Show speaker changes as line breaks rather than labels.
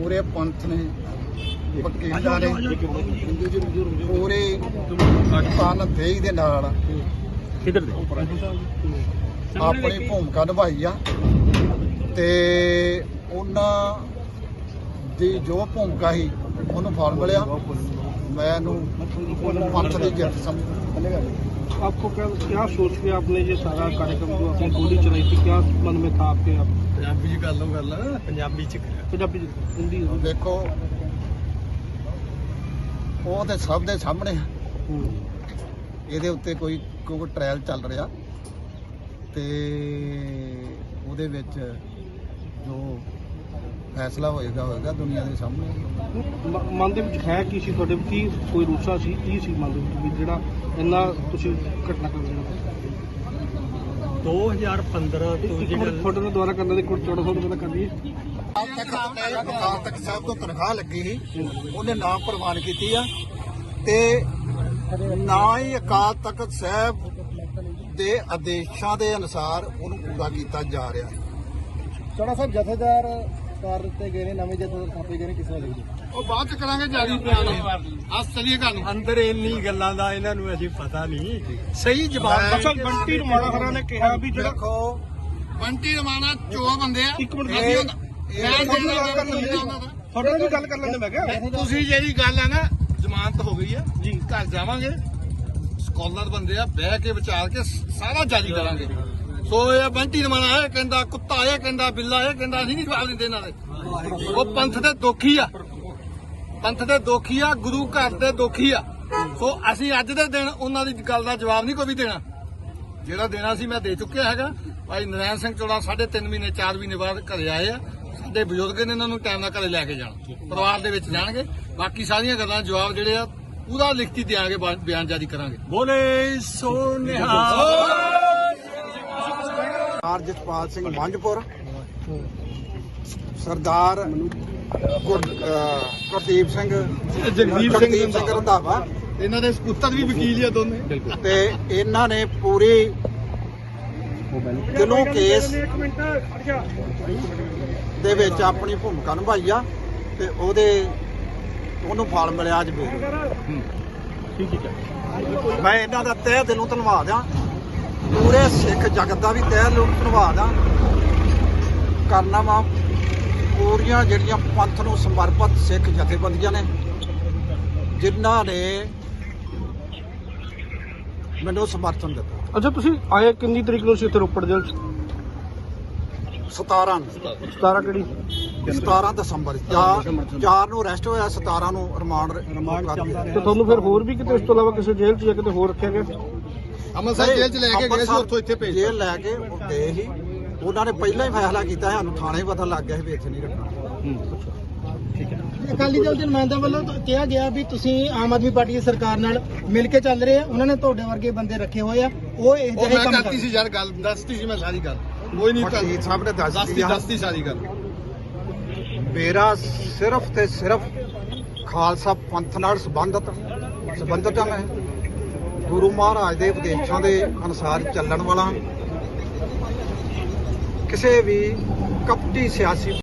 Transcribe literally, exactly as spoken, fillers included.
पूरे पंथ ने वकीलों ने पूरे तन देही दे नाल अपनी भूमिका निभाई आ ते उन्हां दी जो भूमिका ही उन्होंने फल मिलिया। मैं पंथ की जित समझ।
आपको क्या क्या सोच के आपने ये सारा कार्यक्रम जो आपने गोली चलाई थी, क्या मन में था आपके? आप
पंजाबी च कर लो गल, पंजाबी च
पंजाबी हिंदी
देखो वो तो सब दे सामने ਇਹਦੇ ਉੱਤੇ ਕੋਈ ਕੋਈ ਟ੍ਰਾਇਲ ਚੱਲ ਰਿਹਾ ਤੇ ਉਹਦੇ ਵਿੱਚ ਜੋ ਫੈਸਲਾ ਹੋਏਗਾ ਹੋਏਗਾ ਦੁਨੀਆ ਦੇ ਸਾਹਮਣੇ।
ਮਨ ਦੇ ਵਿੱਚ ਹੈ ਕੀ ਸੀ ਤੁਹਾਡੇ, ਕੀ ਕੋਈ ਰੂਸਾ ਸੀ, ਕੀ ਸੀ ਮਨ ਦੇ ਵਿੱਚ ਵੀ ਜਿਹੜਾ ਇੰਨਾ ਤੁਸੀਂ ਘਟਨਾ ਕਰ ਰਹੇ
ਦੋ ਹਜ਼ਾਰ ਪੰਦਰਾਂ ਤੋਂ ਜਿਹੜਾ
ਤੁਹਾਡੇ ਨਾਲ ਦੁਆਰਾ ਕਰਨ ਦੇ ਕੋਲ ਚੌੜਾ ਸੌ ਰੁਪਏ ਕਰ ਲਈਏ।
ਅਕਾਲ ਤਖਤ ਸਾਹਿਬ ਤੋਂ ਤਨਖਾਹ ਲੱਗੀ ਸੀ, ਉਹਨੇ ਨਾਮ ਪ੍ਰਵਾਨ ਕੀਤੀ ਆ ਤੇ ਨਾ ਹੀ ਅਕਾਲ ਤਖਤ ਸਾਹਿਬ ਦੇ ਆਦੇਸ਼ਾਂ ਦੇ ਅਨੁਸਾਰ ਉਹਨੂੰ ਪੂਰਾ ਕੀਤਾ ਜਾ ਰਿਹਾ।
ਚੌੜਾ ਸਾਹਿਬ ਜਥੇਦਾਰ ਕਰ ਦਿੱਤੇ ਗਏ ਨੇ, ਨਵੇਂ ਜਥੇਦਾਰ ਥਾਪੇ ਗਏ ਨੇ, ਕਿਸੇ ਵੇਲੇ
ਉਹ ਬਾਅਦ ਚ ਕਰਾਂਗੇ ਜਾਰੀ ਬਿਆਨ। ਅੱਜ ਚਲੀਏ ਗੱਲ
ਅੰਦਰ ਇੰਨੀ ਗੱਲਾਂ ਦਾ ਇਹਨਾਂ ਨੂੰ ਅਸੀਂ ਪਤਾ ਨਹੀਂ ਸਹੀ ਜਵਾਬ।
ਅਸਲ ਬੰਟੀ ਰਮਾਣਾ ਹਰਾਂ ਨੇ ਕਿਹਾ ਵੀ ਜਿਹੜਾ
ਦੇਖੋ ਬੰਟੀ ਰਮਾਣਾ ਚੋ ਬੰਦੇ ਆ।
ਇੱਕ ਮਿੰਟ
ਮੈਂ
ਤੁਹਾਡੇ ਨਾਲ ਵੀ ਗੱਲ ਕਰ ਲੈਂਦੇ। ਮੈਂ ਕਿਹਾ
ਤੁਸੀਂ ਜਿਹੜੀ ਗੱਲ ਆ ਨਾ ਜ਼ਮਾਨਤ ਹੋ ਗਈ ਆ ਜੀ, ਘਰ ਜਾਵਾਂਗੇ ਸਕਾਲਰ ਬੰਦੇ ਆ, ਬਹਿ ਕੇ ਵਿਚਾਰ ਕੇ ਸਾਰਾ ਜਾਰੀ ਕਰਾਂਗੇ। ਸੋ ਇਹ ਬੰਟੀ ਰਮਾਣਾ ਇਹ ਕਹਿੰਦਾ, ਕੁੱਤਾ ਇਹ ਕਹਿੰਦਾ, ਬਿੱਲਾ ਇਹ ਕਹਿੰਦਾ, ਅਸੀਂ ਨਹੀਂ ਜਵਾਬ ਦਿੰਦੇ ਇਹਨਾਂ ਦੇ। ਉਹ ਪੰਥ ਦੇ ਦੋਖੀ ਆ, ਪੰਥ ਦੇ ਦੋਖੀ ਆ, ਗੁਰੂ ਘਰ ਦੇ ਦੋਖੀ ਆ। ਸੋ ਅਸੀਂ ਅੱਜ ਦੇ ਦਿਨ ਉਹਨਾਂ ਦੀ ਗੱਲ ਦਾ ਜਵਾਬ ਨਹੀਂ ਕੋਈ ਵੀ ਦੇਣਾ। ਜਿਹੜਾ ਦੇਣਾ ਸੀ ਮੈਂ ਦੇ ਚੁੱਕਿਆ ਹੈਗਾ। ਭਾਈ ਨਰੈਣ ਸਿੰਘ ਚੋੜਾ ਸਾਢੇ ਤਿੰਨ ਮਹੀਨੇ ਚਾਰ ਮਹੀਨੇ ਬਾਅਦ ਘਰੇ ਆਏ ਆ। ਸਾਡੇ ਬਜ਼ੁਰਗ ਨੇ ਇਹਨਾਂ ਨੂੰ ਟਾਈਮ ਨਾਲ ਘਰੇ ਲੈ ਕੇ ਜਾਣਾ, ਪਰਿਵਾਰ ਦੇ ਵਿੱਚ ਜਾਣਗੇ। ਬਾਕੀ ਸਾਰੀਆਂ ਗੱਲਾਂ ਜਵਾਬ ਜਿਹੜੇ ਆ ਪੂਰਾ ਲਿਖਤੀ ਦਿਆਂਗੇ, ਬਿਆਨ ਜਾਰੀ ਕਰਾਂਗੇ।
ਬੋਲੇ ਸੋ ਨਿਹਾਲ।
ਸਰਦਾਰ ਜਸਪਾਲ ਸਿੰਘ ਮੰਝਪੁਰ, ਸਰਦਾਰ ਗੁਰਦੀਪ ਸਿੰਘ
ਜਗਦੀਪ
ਸਿੰਘ ਰੰਧਾਵਾ,
ਇਹਨਾਂ ਦੇ ਪੁੱਤਰ ਵੀ ਵਕੀਲ ਆ ਦੋਨੇ,
ਤੇ ਇਹਨਾਂ ਨੇ ਪੂਰੀ ਦਿਲੋਂ ਕੇਸ ਦੇ ਵਿੱਚ ਆਪਣੀ ਭੂਮਿਕਾ ਨਿਭਾਈ ਆ ਤੇ ਉਹਦੇ ਉਹਨੂੰ ਫਲ ਮਿਲਿਆ ਅੱਜ ਵੀ। ਮੈਂ ਇਹਨਾਂ ਦਾ ਤਹਿ ਦਿਲੋਂ ਧੰਨਵਾਦ ਆ, ਪੂਰੇ ਸਿੱਖ ਜਗਤ ਦਾ ਵੀ ਤਹਿ ਦਿਲੋਂ ਧੰਨਵਾਦ ਆ ਕਰਨਾ ਵਾ। ਪੂਰੀਆਂ ਜਿਹੜੀਆਂ ਪੰਥ ਨੂੰ ਸਮਰਪਿਤ ਸਿੱਖ ਜਥੇਬੰਦੀਆਂ ਨੇ ਜਿਨ੍ਹਾਂ ਨੇ ਮੈਨੂੰ ਸਮਰਥਨ ਦਿੱਤਾ।
ਅੱਛਾ, ਤੁਸੀਂ ਆਏ ਕਿੰਨੀ ਤਰੀਕ ਨੂੰ ਸੀ ਇੱਥੇ ਰੋਪੜ ਜੇਲ੍ਹ 'ਚ?
ਸਤਾਰਾਂ
ਸਤਾਰਾਂ ਕਿਹੜੀ?
ਸਤਾਰਾਂ ਦਸੰਬਰ ਚਾਰ ਨੂੰ ਅਰੈਸਟ ਹੋਇਆ, ਸਤਾਰਾਂ ਨੂੰ ਰਿਮਾਂਡ ਰਿਮਾਂਡ
ਤੇ ਤੁਹਾਨੂੰ ਫਿਰ ਹੋਰ ਵੀ ਕਿਤੇ ਇਸ ਤੋਂ ਇਲਾਵਾ ਕਿਸੇ ਜੇਲ੍ਹ 'ਚ ਜਾਂ ਕਿਤੇ ਹੋਰ ਰੱਖਿਆ ਗਿਆ?
ਅੰਮ੍ਰਿਤਸਰ ਜੇਲ੍ਹ 'ਚ ਲੈ ਕੇ ਗਏ ਸੀ, ਉੱਥੋਂ ਇੱਥੇ ਭੇਜ ਜੇਲ੍ਹ ਲੈ ਕੇ ਗਏ ਸੀ। ਉਹਨਾਂ ਨੇ ਪਹਿਲਾਂ ਹੀ ਫੈਸਲਾ ਕੀਤਾ, ਸਾਨੂੰ ਥਾਣੇ ਹੀ ਪਤਾ ਲੱਗ ਗਿਆ ਸੀ ਵੀ ਇੱਥੇ ਨਹੀਂ ਰੱਖਣਾ।
ਅਕਾਲੀ ਦਲ ਦੇ ਨੁਮਾਇੰਦਿਆਂ ਵੱਲੋਂ ਕਿਹਾ ਗਿਆ ਵੀ ਤੁਸੀਂ ਆਮ ਆਦਮੀ ਪਾਰਟੀ ਦੀ ਸਰਕਾਰ ਨਾਲ ਮਿਲ ਕੇ ਚੱਲ ਰਹੇ ਆ, ਉਹਨਾਂ ਨੇ ਤੁਹਾਡੇ ਵਰਗੇ ਬੰਦੇ ਰੱਖੇ ਹੋਏ ਆ, ਉਹ ਇਹ ਜਿਹੇ ਕੰਮ
ਕਰਤੀ ਸੀ ਯਾਰ, ਗੱਲ ਦੱਸਤੀ ਸੀ ਮੈਂ ਸਾਰੀ ਗੱਲ। ਕੋਈ ਨਹੀਂ ਵਕੀਲ ਸਾਹਿਬ ਨੇ ਦੱਸਤੀ ਦੱਸਤੀ ਸਾਰੀ ਗੱਲ। ਮੇਰਾ ਸਿਰਫ ਤੇ ਸਿਰਫ ਖਾਲਸਾ ਪੰਥ ਨਾਲ ਸੰਬੰਧਤ ਸੰਬੰਧਤ ਹਾਂ। ਮੈਂ ਗੁਰੂ ਮਹਾਰਾਜ ਦੇ ਉਪਦੇਸ਼ਾਂ ਦੇ ਅਨੁਸਾਰ ਚੱਲਣ ਵਾਲਾ, ਕਿਸੇ ਵੀ ਕਪਟੀ ਸਿਆਸੀ